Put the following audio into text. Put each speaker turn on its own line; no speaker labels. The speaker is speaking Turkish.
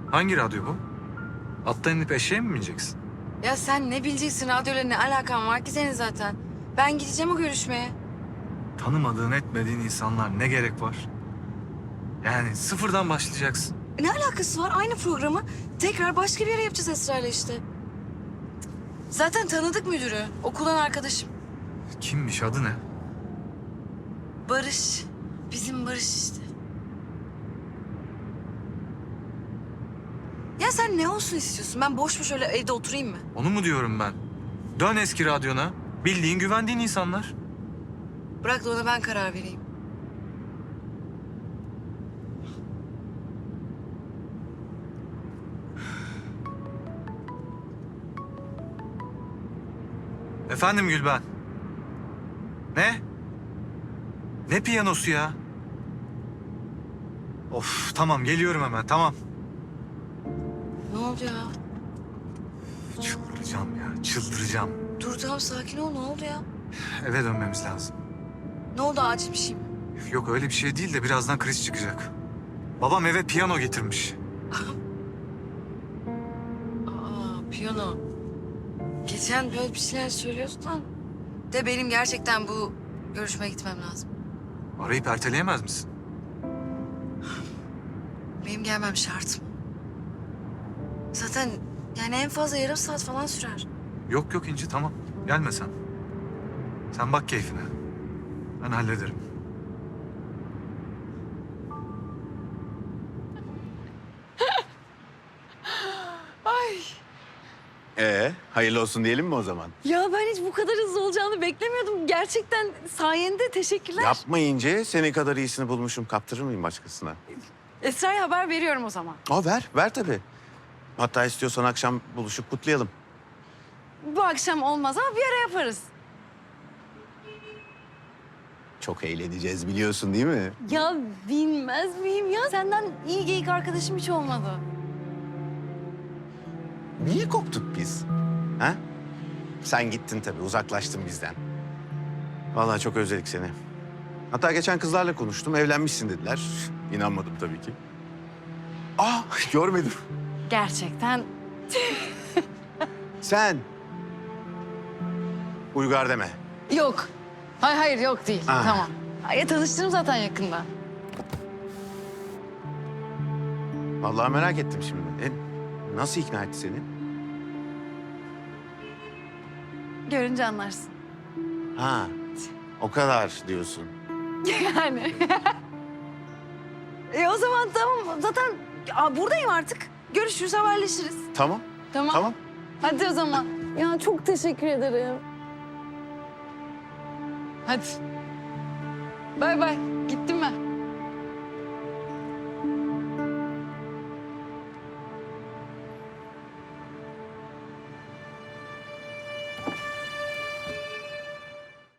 Hangi radyo bu? Attan inip eşeğe mi bineceksin?
Ya sen ne bileceksin, radyoyla ne alakan var ki senin zaten? Ben gideceğim o görüşmeye.
Tanımadığın etmediğin insanlar ne gerek var? Yani sıfırdan başlayacaksın.
Ne alakası var? Aynı programı tekrar başka bir yere yapacağız Esra'yla işte. Zaten tanıdık müdürü. Okuldan arkadaşım.
Kimmiş, adı ne?
Barış. Bizim Barış işte. Ya sen ne olsun istiyorsun? Ben boş boş öyle evde oturayım mı?
Onu mu diyorum ben? Dön eski radyona. Bildiğin, güvendiğin insanlar.
Bırak da ona ben karar vereyim.
Efendim Gülben? Ne? Ne piyanosu ya? Of, tamam geliyorum hemen, tamam.
Ne oldu ya?
Çıldıracağım ya, çıldıracağım.
Dur tamam sakin ol. Ne oldu ya?
Eve dönmemiz lazım.
Ne oldu, acil bir şey mi?
Yok öyle bir şey değil de birazdan kriz çıkacak. Babam eve piyano getirmiş.
Aa, piyano. Geçen böyle bir şeyler söylüyordun da. De benim gerçekten bu görüşmeye gitmem lazım.
Arayıp erteleyemez misin?
Benim gelmem şart. Zaten yani en fazla yarım saat falan sürer.
Yok yok İnci, tamam. Gelme sen. Sen bak keyfine. Ben hallederim.
Hayırlı olsun diyelim mi o zaman?
Ya ben hiç bu kadar hızlı olacağını beklemiyordum. Gerçekten sayende teşekkürler.
Yapmayınca senin kadar iyisini bulmuşum. Kaptırır mıyım başkasına?
Esra'ya haber veriyorum o zaman.
Ver tabii. Hatta istiyorsan akşam buluşup kutlayalım.
Bu akşam olmaz ama bir ara yaparız.
Çok eğleneceğiz biliyorsun değil mi?
Ya bilmez miyim ya? Senden iyi geyik arkadaşım hiç olmadı.
Niye koptuk biz? Ha? Sen gittin tabii, uzaklaştın bizden. Vallahi çok özledik seni. Hatta geçen kızlarla konuştum, evlenmişsin dediler. İnanmadım tabii ki. Görmedim.
Gerçekten.
Sen. Uygar deme.
Yok. Hayır yok değil.
Ah.
Tamam. Ya tanıştırım zaten yakında.
Vallahi merak ettim şimdi. Nasıl ikna etti seni?
Görünce anlarsın.
Ha, o kadar diyorsun.
Yani. O zaman tamam. Zaten buradayım artık. Görüşürüz, haberleşiriz.
Tamam,
Tamam.
tamam.
Hadi o zaman. Ya çok teşekkür ederim. Hadi. Bay bay. Gittim ben.